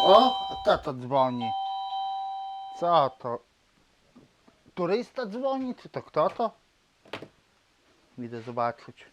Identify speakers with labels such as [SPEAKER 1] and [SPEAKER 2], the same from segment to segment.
[SPEAKER 1] O, kto to dzwoni? Co to? Turysta dzwoni, czy to kto to? Idę zobaczyć.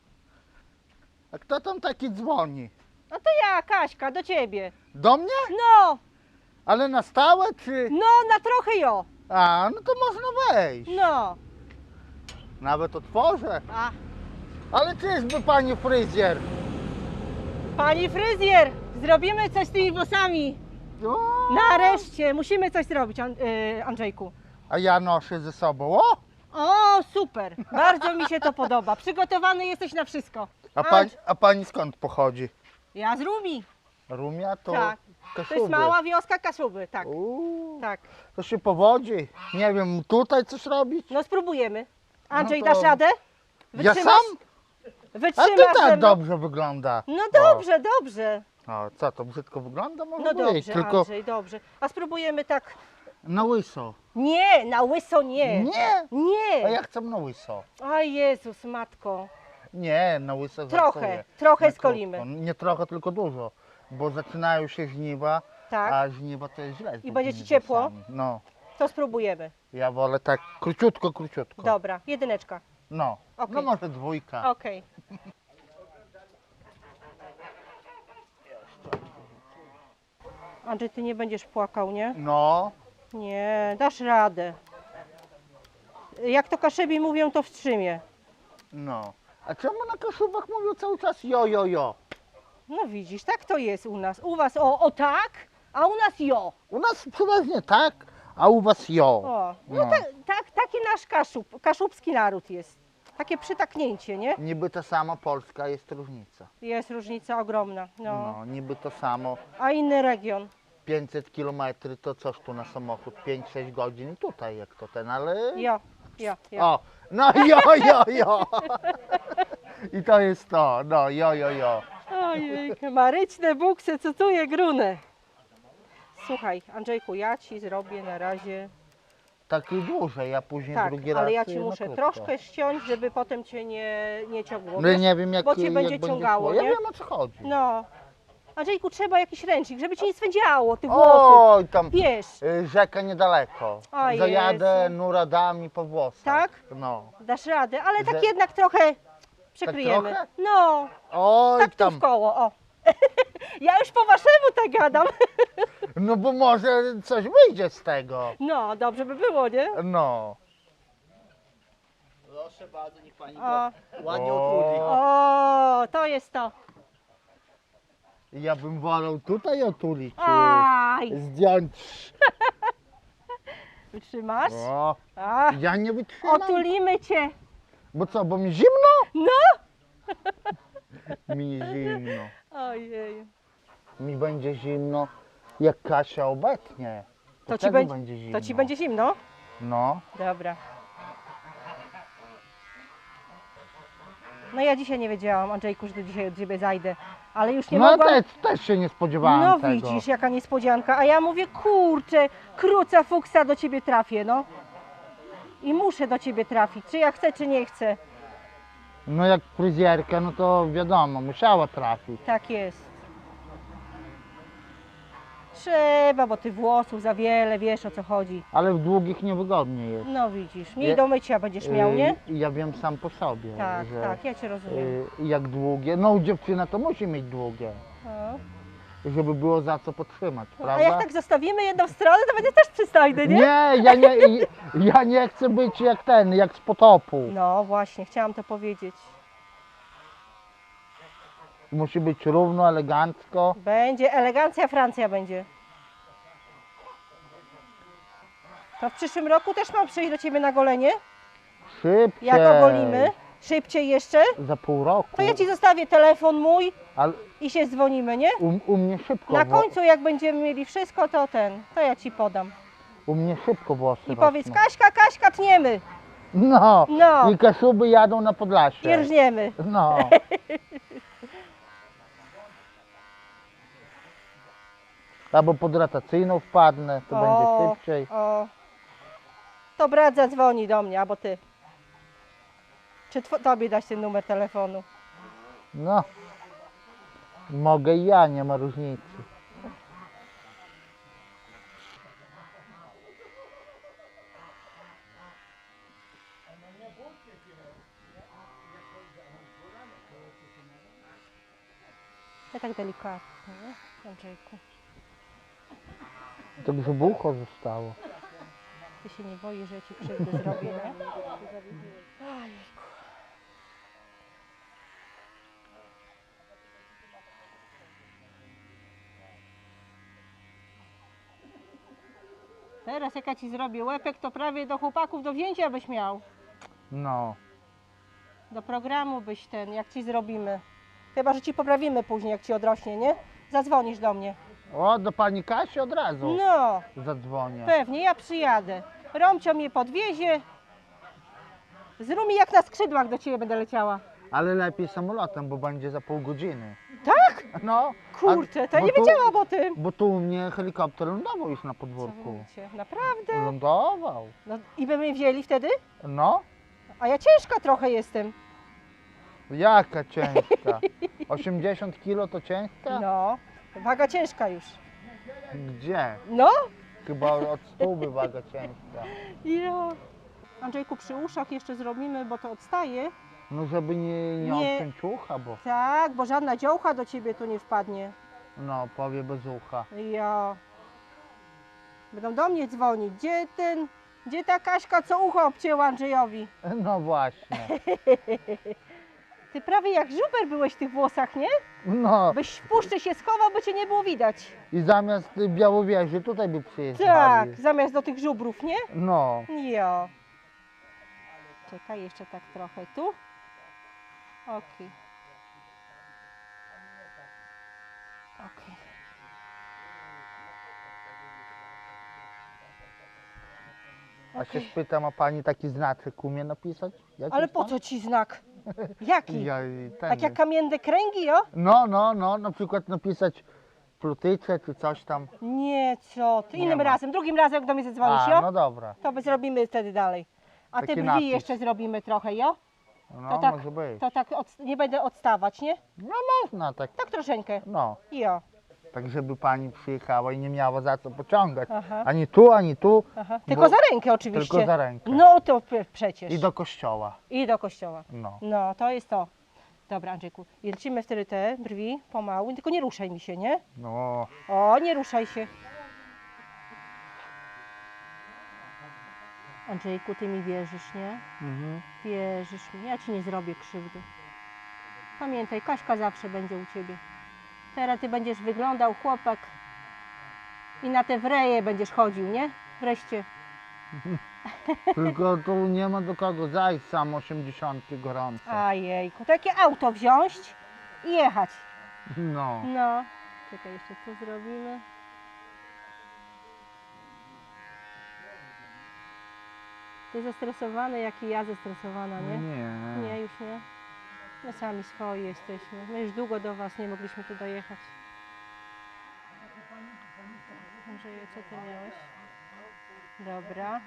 [SPEAKER 1] A kto tam taki dzwoni?
[SPEAKER 2] No to ja, Kaśka, do ciebie.
[SPEAKER 1] Do mnie?
[SPEAKER 2] No,
[SPEAKER 1] Ale na stałe, czy...
[SPEAKER 2] no, na trochę jo.
[SPEAKER 1] A, no to można wejść.
[SPEAKER 2] No.
[SPEAKER 1] Nawet otworzę.
[SPEAKER 2] A,
[SPEAKER 1] Ale czyżby pani fryzjer?
[SPEAKER 2] pani fryzjer, zrobimy coś z tymi włosami.
[SPEAKER 1] O,
[SPEAKER 2] Nareszcie, musimy coś zrobić, Andrzejku.
[SPEAKER 1] a ja noszę ze sobą. O!
[SPEAKER 2] O, super, bardzo mi się to podoba. Przygotowany jesteś na wszystko.
[SPEAKER 1] A pani skąd pochodzi?
[SPEAKER 2] Ja z Rumi.
[SPEAKER 1] Rumia to
[SPEAKER 2] Tak.
[SPEAKER 1] Kaszuby.
[SPEAKER 2] To jest mała wioska Kaszuby, tak.
[SPEAKER 1] Tak.
[SPEAKER 2] Tak.
[SPEAKER 1] To się powodzi. Nie wiem, tutaj coś robić?
[SPEAKER 2] No spróbujemy. Andrzej,
[SPEAKER 1] No to-
[SPEAKER 2] dasz radę?
[SPEAKER 1] Ja
[SPEAKER 2] Wytrzymasz?
[SPEAKER 1] sam? A
[SPEAKER 2] Wytrzymasz
[SPEAKER 1] to
[SPEAKER 2] ze
[SPEAKER 1] tak
[SPEAKER 2] mną?
[SPEAKER 1] dobrze wygląda.
[SPEAKER 2] No dobrze, dobrze.
[SPEAKER 1] O, co to brzydko wygląda? Może
[SPEAKER 2] No
[SPEAKER 1] być,
[SPEAKER 2] dobrze,
[SPEAKER 1] tylko
[SPEAKER 2] Andrzej, dobrze. A spróbujemy tak.
[SPEAKER 1] na łyso.
[SPEAKER 2] Nie, na łyso nie.
[SPEAKER 1] Nie!
[SPEAKER 2] Nie.
[SPEAKER 1] A ja chcę na łyso.
[SPEAKER 2] A Jezus, matko.
[SPEAKER 1] Nie, na łyso
[SPEAKER 2] Trochę,
[SPEAKER 1] żartuję.
[SPEAKER 2] trochę
[SPEAKER 1] Na
[SPEAKER 2] skolimy.
[SPEAKER 1] krótko. Nie trochę, tylko dużo. Bo zaczynają się żniwa,
[SPEAKER 2] Tak.
[SPEAKER 1] a żniwa to jest źle. z
[SPEAKER 2] I będzie ci
[SPEAKER 1] takimi
[SPEAKER 2] ciepło?
[SPEAKER 1] włosami. No,
[SPEAKER 2] To spróbujemy.
[SPEAKER 1] ja wolę tak króciutko, króciutko.
[SPEAKER 2] Dobra, jedyneczka.
[SPEAKER 1] No,
[SPEAKER 2] Okej.
[SPEAKER 1] no może dwójka.
[SPEAKER 2] Okej. Andrzej, ty nie będziesz płakał, nie?
[SPEAKER 1] No,
[SPEAKER 2] Nie, dasz radę. Jak to Kaszebi mówią, to wstrzymie.
[SPEAKER 1] no. A czemu na Kaszubach mówią cały czas jo, jo, jo?
[SPEAKER 2] No widzisz, tak to jest u nas. U was o tak, a u nas jo.
[SPEAKER 1] U nas przeważnie tak, a u was jo.
[SPEAKER 2] O, no
[SPEAKER 1] No.
[SPEAKER 2] taki nasz kaszubski naród jest. Takie przytaknięcie, nie?
[SPEAKER 1] Niby ta sama Polska, jest różnica.
[SPEAKER 2] Jest różnica ogromna. No.
[SPEAKER 1] No, niby to samo.
[SPEAKER 2] A inny region.
[SPEAKER 1] 500 km to coś tu na samochód, 5-6 godzin i tutaj jak to ten, ale...
[SPEAKER 2] Jo, jo.
[SPEAKER 1] O, no jo, jo, jo. I to jest to, no jo, jo, jo.
[SPEAKER 2] Ojej, maryczne buksy, co tu je grunę. Słuchaj, Andrzejku, ja ci zrobię na razie.
[SPEAKER 1] Taki dłużej, ja później
[SPEAKER 2] Tak,
[SPEAKER 1] drugi raz
[SPEAKER 2] ale ja ci
[SPEAKER 1] na
[SPEAKER 2] muszę
[SPEAKER 1] krótko.
[SPEAKER 2] troszkę ściąć, żeby potem cię nie ciągło.
[SPEAKER 1] No i
[SPEAKER 2] wiesz?
[SPEAKER 1] nie wiem jak,
[SPEAKER 2] bo cię
[SPEAKER 1] jak
[SPEAKER 2] będzie ciągało,
[SPEAKER 1] szło. Ja
[SPEAKER 2] nie?
[SPEAKER 1] wiem o co chodzi.
[SPEAKER 2] No. Andrzejku, trzeba jakiś ręcznik, żeby ci nie swędziało tych włosów.
[SPEAKER 1] Oj, tam
[SPEAKER 2] Wiesz,
[SPEAKER 1] rzeka niedaleko.
[SPEAKER 2] O
[SPEAKER 1] Zajadę
[SPEAKER 2] Jezu.
[SPEAKER 1] nuradami po włosach.
[SPEAKER 2] Tak?
[SPEAKER 1] No.
[SPEAKER 2] dasz radę, ale tak
[SPEAKER 1] Że-
[SPEAKER 2] jednak trochę przykryjemy.
[SPEAKER 1] trochę?
[SPEAKER 2] No,
[SPEAKER 1] Oj,
[SPEAKER 2] tak tu
[SPEAKER 1] tam.
[SPEAKER 2] w koło, o. Ja już po waszemu tak gadam.
[SPEAKER 1] No bo może coś wyjdzie z tego.
[SPEAKER 2] No, dobrze by było, nie?
[SPEAKER 1] No.
[SPEAKER 3] Proszę bardzo, niech pani
[SPEAKER 2] O,
[SPEAKER 3] to ładnie
[SPEAKER 1] O.
[SPEAKER 3] otrudzi.
[SPEAKER 2] o, to jest to.
[SPEAKER 1] Ja bym wolał tutaj otulić.
[SPEAKER 2] Aj,
[SPEAKER 1] Zdjąć.
[SPEAKER 2] wytrzymasz?
[SPEAKER 1] O,
[SPEAKER 2] A,
[SPEAKER 1] ja nie wytrzymam.
[SPEAKER 2] otulimy cię.
[SPEAKER 1] Bo co, bo mi zimno?
[SPEAKER 2] No.
[SPEAKER 1] Mi zimno.
[SPEAKER 2] Ojej.
[SPEAKER 1] Mi będzie zimno, jak Kasia obetnie.
[SPEAKER 2] To ci,
[SPEAKER 1] wtedy
[SPEAKER 2] będzie,
[SPEAKER 1] będzie zimno.
[SPEAKER 2] to ci będzie zimno?
[SPEAKER 1] No.
[SPEAKER 2] Dobra. No ja dzisiaj nie wiedziałam, Andrzejku, że do dzisiaj od ciebie zajdę, ale już nie
[SPEAKER 1] No
[SPEAKER 2] mogłam.
[SPEAKER 1] też się nie spodziewałem
[SPEAKER 2] No
[SPEAKER 1] tego.
[SPEAKER 2] widzisz, jaka niespodzianka, a ja mówię, kurczę, kruca fuksa do ciebie trafię, no. I muszę do ciebie trafić, czy ja chcę, czy nie chcę.
[SPEAKER 1] No jak fryzjerka, no to wiadomo, musiała trafić.
[SPEAKER 2] Tak jest. Trzeba, bo ty włosów za wiele, wiesz o co chodzi.
[SPEAKER 1] Ale w długich niewygodnie jest.
[SPEAKER 2] No widzisz, mniej
[SPEAKER 1] Je-
[SPEAKER 2] do mycia będziesz miał, nie?
[SPEAKER 1] Ja wiem sam po sobie,
[SPEAKER 2] Tak,
[SPEAKER 1] że
[SPEAKER 2] tak, ja cię rozumiem.
[SPEAKER 1] jak długie, no dziewczyna to musi mieć długie,
[SPEAKER 2] No.
[SPEAKER 1] żeby było za co podtrzymać,
[SPEAKER 2] A
[SPEAKER 1] prawda?
[SPEAKER 2] jak tak zostawimy jedną stronę, to będzie też przystojny, nie?
[SPEAKER 1] Nie, ja nie chcę być jak ten, jak z potopu.
[SPEAKER 2] No właśnie, chciałam to powiedzieć.
[SPEAKER 1] Musi być równo, elegancko.
[SPEAKER 2] Będzie, elegancja Francja będzie. To w przyszłym roku też mam przyjść do ciebie na golenie?
[SPEAKER 1] Szybciej.
[SPEAKER 2] Jak ogolimy? Szybciej jeszcze?
[SPEAKER 1] Za pół roku.
[SPEAKER 2] To ja ci zostawię telefon mój
[SPEAKER 1] Ale
[SPEAKER 2] i się dzwonimy, nie?
[SPEAKER 1] u mnie szybko.
[SPEAKER 2] Na końcu jak będziemy mieli wszystko, to ja ci podam.
[SPEAKER 1] U mnie szybko włosy
[SPEAKER 2] I powiedz,
[SPEAKER 1] rosną.
[SPEAKER 2] Kaśka, Kaśka, tniemy
[SPEAKER 1] No.
[SPEAKER 2] No.
[SPEAKER 1] I Kaszuby jadą na Podlasie.
[SPEAKER 2] i rżniemy.
[SPEAKER 1] No. Albo pod rotacyjną wpadnę, to będzie szybciej.
[SPEAKER 2] O. To brat zadzwoni do mnie, albo ty. Czy tobie dać ten numer telefonu?
[SPEAKER 1] No. Mogę i ja, nie ma różnicy.
[SPEAKER 2] Ja tak delikatnie, nie? Andrzejku.
[SPEAKER 1] To brzucho zostało.
[SPEAKER 2] Ty się nie boisz, że ja ci krzywdę zrobię, nie? Ojejku. Teraz jak ja ci zrobię łepek, to prawie do chłopaków do wzięcia byś miał.
[SPEAKER 1] No.
[SPEAKER 2] Do programu byś jak ci zrobimy. Chyba, że ci poprawimy później, jak ci odrośnie, nie? Zadzwonisz do mnie.
[SPEAKER 1] O, do pani Kasi od razu
[SPEAKER 2] No,
[SPEAKER 1] zadzwonię.
[SPEAKER 2] pewnie, ja przyjadę. Romcio mnie podwiezie. Z Rumi jak na skrzydłach do ciebie będę leciała.
[SPEAKER 1] Ale lepiej samolotem, bo będzie za pół godziny.
[SPEAKER 2] Tak?
[SPEAKER 1] No.
[SPEAKER 2] Kurczę, to
[SPEAKER 1] bo
[SPEAKER 2] nie
[SPEAKER 1] tu-
[SPEAKER 2] wiedziałam o tym.
[SPEAKER 1] Bo tu u mnie helikopter lądował już na
[SPEAKER 2] Co wy
[SPEAKER 1] podwórku.
[SPEAKER 2] mówicie? Naprawdę?
[SPEAKER 1] Lądował.
[SPEAKER 2] No i by mnie wzięli wtedy?
[SPEAKER 1] No.
[SPEAKER 2] A ja ciężka trochę jestem.
[SPEAKER 1] Jaka ciężka? 80 kilo to ciężka?
[SPEAKER 2] No, waga ciężka już.
[SPEAKER 1] Gdzie?
[SPEAKER 2] No?
[SPEAKER 1] Chyba od stówy waga ciężka.
[SPEAKER 2] Ja. Andrzejku, przy uszach jeszcze zrobimy, bo to odstaje.
[SPEAKER 1] No żeby nie
[SPEAKER 2] Nie.
[SPEAKER 1] odciąć ucha, bo
[SPEAKER 2] Tak, bo żadna dziołcha do ciebie tu nie wpadnie.
[SPEAKER 1] no powie bez ucha.
[SPEAKER 2] Ja. Będą do mnie dzwonić. Gdzie ta Kaśka, co ucho obcięła Andrzejowi?
[SPEAKER 1] No właśnie.
[SPEAKER 2] Ty prawie jak żuber byłeś w tych włosach, nie?
[SPEAKER 1] No
[SPEAKER 2] Byś w puszczy się schował, by cię nie było widać.
[SPEAKER 1] i zamiast Białowieży tutaj by przyjeżdżali.
[SPEAKER 2] Tak, zamiast do tych żubrów, nie?
[SPEAKER 1] No.
[SPEAKER 2] Ja. Czekaj, jeszcze tak trochę tu. Okej. Okej.
[SPEAKER 1] A się
[SPEAKER 2] Okej.
[SPEAKER 1] spytam, a pani taki znaczek umie napisać? Jakiś
[SPEAKER 2] Ale po
[SPEAKER 1] tam?
[SPEAKER 2] co ci znak? Jaki?
[SPEAKER 1] Ja, i ten.
[SPEAKER 2] Tak jak kamienne kręgi, jo?
[SPEAKER 1] No, na przykład napisać plutyce czy coś tam.
[SPEAKER 2] Nie, co ty.
[SPEAKER 1] Nie
[SPEAKER 2] Innym
[SPEAKER 1] ma.
[SPEAKER 2] razem, drugim razem jak do mnie zadzwonisz,
[SPEAKER 1] A,
[SPEAKER 2] jo?
[SPEAKER 1] no dobra.
[SPEAKER 2] To by zrobimy wtedy dalej. A te
[SPEAKER 1] Taki
[SPEAKER 2] brwi
[SPEAKER 1] napis.
[SPEAKER 2] jeszcze zrobimy trochę, jo?
[SPEAKER 1] No
[SPEAKER 2] tak,
[SPEAKER 1] może być.
[SPEAKER 2] To tak nie będę odstawać, nie?
[SPEAKER 1] No można tak.
[SPEAKER 2] Tak troszeczkę.
[SPEAKER 1] No.
[SPEAKER 2] Jo.
[SPEAKER 1] Tak żeby pani przyjechała i nie miała za co pociągać.
[SPEAKER 2] Aha.
[SPEAKER 1] Ani tu,
[SPEAKER 2] Aha.
[SPEAKER 1] Bo-
[SPEAKER 2] Tylko za rękę oczywiście.
[SPEAKER 1] tylko za rękę.
[SPEAKER 2] No to przecież.
[SPEAKER 1] I do kościoła.
[SPEAKER 2] I do kościoła.
[SPEAKER 1] No.
[SPEAKER 2] No, to jest to. Dobra, Andrzejku. I lecimy wtedy te brwi pomału, tylko nie ruszaj mi się, nie?
[SPEAKER 1] No.
[SPEAKER 2] O, nie ruszaj się. Andrzejku, ty mi wierzysz, nie?
[SPEAKER 1] Mhm.
[SPEAKER 2] Wierzysz mi, ja ci nie zrobię krzywdy. Pamiętaj, Kaśka zawsze będzie u ciebie. Teraz ty będziesz wyglądał chłopak i na te wreje będziesz chodził, nie? Wreszcie.
[SPEAKER 1] Tylko tu nie ma do kogo zajść, sam 80 gorąco.
[SPEAKER 2] Ajejku, takie auto wziąć i jechać.
[SPEAKER 1] No.
[SPEAKER 2] No. Czekaj, jeszcze co zrobimy? Ty zestresowany, jak i ja zestresowana, nie?
[SPEAKER 1] Nie.
[SPEAKER 2] Nie, już nie. My sami swoi jesteśmy. My już długo do was nie mogliśmy tu dojechać. Andrzeju, co ty miałeś? Dobra.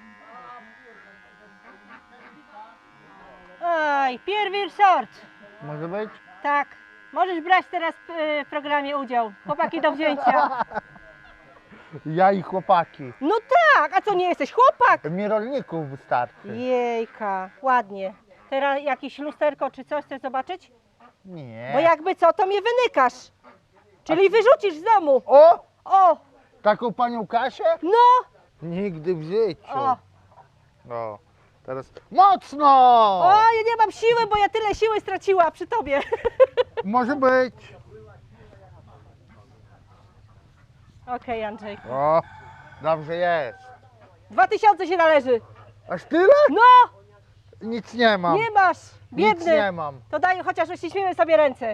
[SPEAKER 2] Oj, pierwszy sort.
[SPEAKER 1] Może być?
[SPEAKER 2] Tak. Możesz brać teraz w programie udział. Chłopaki do wzięcia.
[SPEAKER 1] Ja i chłopaki.
[SPEAKER 2] No tak, a co nie jesteś chłopak?
[SPEAKER 1] Mi rolników wystarczy.
[SPEAKER 2] Jejka, ładnie. Teraz jakieś lusterko czy coś chcesz zobaczyć?
[SPEAKER 1] Nie.
[SPEAKER 2] Bo jakby co, to mnie wynykasz. Czyli wyrzucisz z domu.
[SPEAKER 1] O!
[SPEAKER 2] O,
[SPEAKER 1] Taką panią Kasię?
[SPEAKER 2] no,
[SPEAKER 1] Nigdy w życiu.
[SPEAKER 2] o.
[SPEAKER 1] O. Teraz mocno!
[SPEAKER 2] O, ja nie mam siły, bo ja tyle siły straciła przy tobie.
[SPEAKER 1] Może być.
[SPEAKER 2] Okej, Andrzej.
[SPEAKER 1] O, dobrze jest.
[SPEAKER 2] 2000 się należy.
[SPEAKER 1] Aż tyle?
[SPEAKER 2] No,
[SPEAKER 1] Nic nie mam.
[SPEAKER 2] nie masz.
[SPEAKER 1] Nic
[SPEAKER 2] Biedny.
[SPEAKER 1] nie mam.
[SPEAKER 2] To daj chociaż uściśnijmy sobie ręce.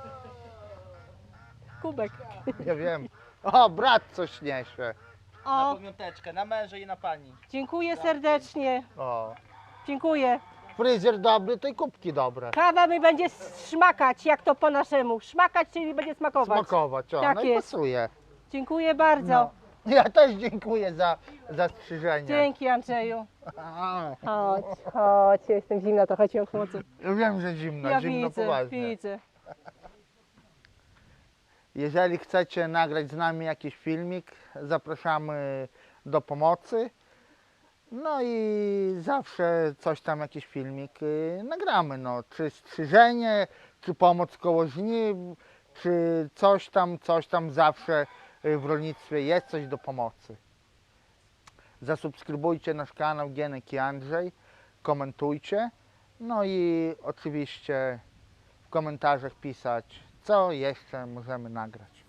[SPEAKER 2] Kubek.
[SPEAKER 1] Ja wiem. O, brat coś niesie.
[SPEAKER 3] Na
[SPEAKER 2] O,
[SPEAKER 3] pamiąteczkę, na męża i na pani.
[SPEAKER 2] dziękuję serdecznie.
[SPEAKER 1] O.
[SPEAKER 2] Dziękuję.
[SPEAKER 1] Fryzjer dobry, to i kubki dobre.
[SPEAKER 2] Kawa mi będzie szmakać, jak to po naszemu. Szmakać, czyli będzie smakować.
[SPEAKER 1] Smakować, o,
[SPEAKER 2] Tak
[SPEAKER 1] no i
[SPEAKER 2] jest.
[SPEAKER 1] pasuje.
[SPEAKER 2] Dziękuję bardzo.
[SPEAKER 1] No. Ja też dziękuję za strzyżenie.
[SPEAKER 2] Dzięki, Andrzeju.
[SPEAKER 1] A,
[SPEAKER 2] Chodź, chodź, ja jestem zimna, trochę cię ochłodzę.
[SPEAKER 1] ja wiem, że zimno,
[SPEAKER 2] Ja
[SPEAKER 1] zimno
[SPEAKER 2] widzę,
[SPEAKER 1] poważnie.
[SPEAKER 2] widzę.
[SPEAKER 1] Jeżeli chcecie nagrać z nami jakiś filmik, zapraszamy do pomocy. No i zawsze coś tam, jakiś filmik nagramy. No, czy strzyżenie, czy pomoc koło żniw, czy coś tam zawsze w rolnictwie jest coś do pomocy. Zasubskrybujcie nasz kanał Gienek i Andrzej, komentujcie, no i oczywiście w komentarzach pisać, co jeszcze możemy nagrać.